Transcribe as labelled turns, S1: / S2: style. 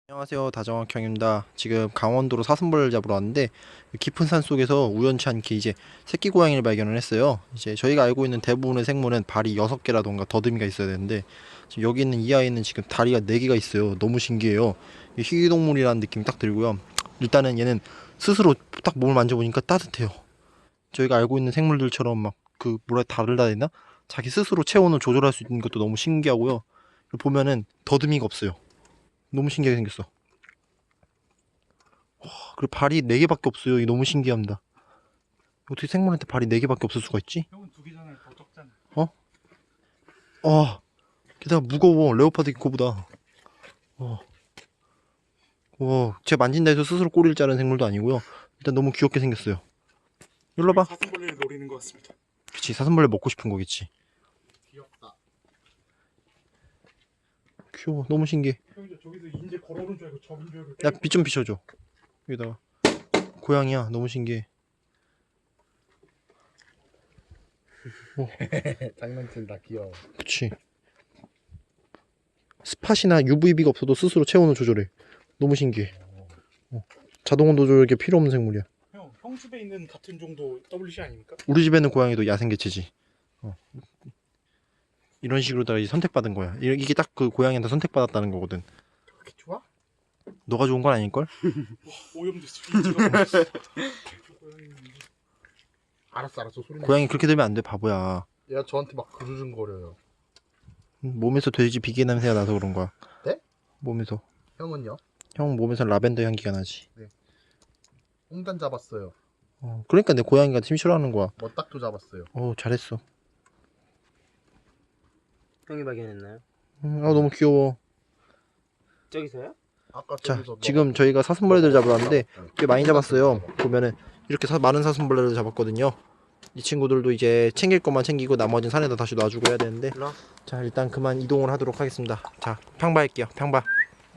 S1: 안녕하세요, 다정학형입니다. 지금 강원도로 사슴벌레를 잡으러 왔는데 깊은 산 속에서 우연치 않게 이제 새끼 고양이를 발견을 했어요. 이제 저희가 알고 있는 대부분의 생물은 발이 6개라던가 더듬이가 있어야 되는데 지금 여기 있는 이 아이는 지금 다리가 4개가 있어요. 너무 신기해요. 희귀동물이라는 느낌이 딱 들고요. 일단은 얘는 스스로 딱 몸을 만져보니까 따뜻해요. 저희가 알고 있는 생물들처럼 막 그 뭐라 다르다 해야 되나? 자기 스스로 체온을 조절할 수 있는 것도 너무 신기하고요. 보면은 더듬이가 없어요. 너무 신기하게 생겼어. 그리고 발이 4개밖에 없어요. 이게 너무 신기합니다. 어떻게 생물한테 발이 4개밖에 없을 수가 있지?
S2: 형은 2개잖아요. 더 적잖아.
S1: 게다가 무거워. 레오파드 코보다. 제가 만진다 해서 스스로 꼬리를 자르는 생물도 아니고요. 일단 너무 귀엽게 생겼어요. 일로 와봐.
S2: 사슴벌레를 노리는 것 같습니다.
S1: 그치, 사슴벌레 먹고 싶은 거겠지.
S2: 귀엽다.
S1: 귀여워. 너무 신기해.
S2: 형 저기서 인제 걸어오는 줄 알고 적인 줄 알고.
S1: 야, 빛 좀 비춰줘. 여기다가. 고양이야. 너무 신기해.
S3: 장난친다 귀여워.
S1: 그치. 스팟이나 UVB가 없어도 스스로 체온을 조절해. 너무 신기해. 자동 온도 조절이 필요 없는 생물이야.
S2: 형 집에 있는 같은 정도 WC 아닙니까?
S1: 우리 집에 있는 고양이도 야생개체지. 이런 식으로 이제 선택받은 거야. 이게 딱 그 고양이한테 선택받았다는 거거든.
S2: 그렇게 좋아?
S1: 너가 좋은 건 아닐걸?
S2: 오염됐어. 인지가.
S3: 알았어 소리.
S1: 고양이 그렇게 되면 안 돼, 바보야.
S3: 얘가 저한테 막 그르릉거려요.
S1: 몸에서 돼지 비계 냄새가 나서 그런 거야.
S3: 네?
S1: 몸에서.
S3: 형은요?
S1: 형 몸에서 라벤더 향기가 나지.
S3: 홍단 잡았어요.
S1: 그러니까 내 고양이가 팀 싫어하는 거야.
S3: 머딱도 잡았어요.
S1: 잘했어.
S4: 형이 발견했나요?
S1: 너무 귀여워.
S4: 저기서요?
S3: 아까
S1: 자,
S3: 저기서
S1: 지금 저희가 사슴벌레들 잡으러 왔는데 꽤 많이 잡았어요. 보면은 이렇게 많은 사슴벌레를 잡았거든요. 이 친구들도 이제 챙길 것만 챙기고 나머지는 산에다 다시 놔주고 해야 되는데,
S4: 일로 와.
S1: 자, 일단 그만 이동을 하도록 하겠습니다. 자, 평바할게요. 평바.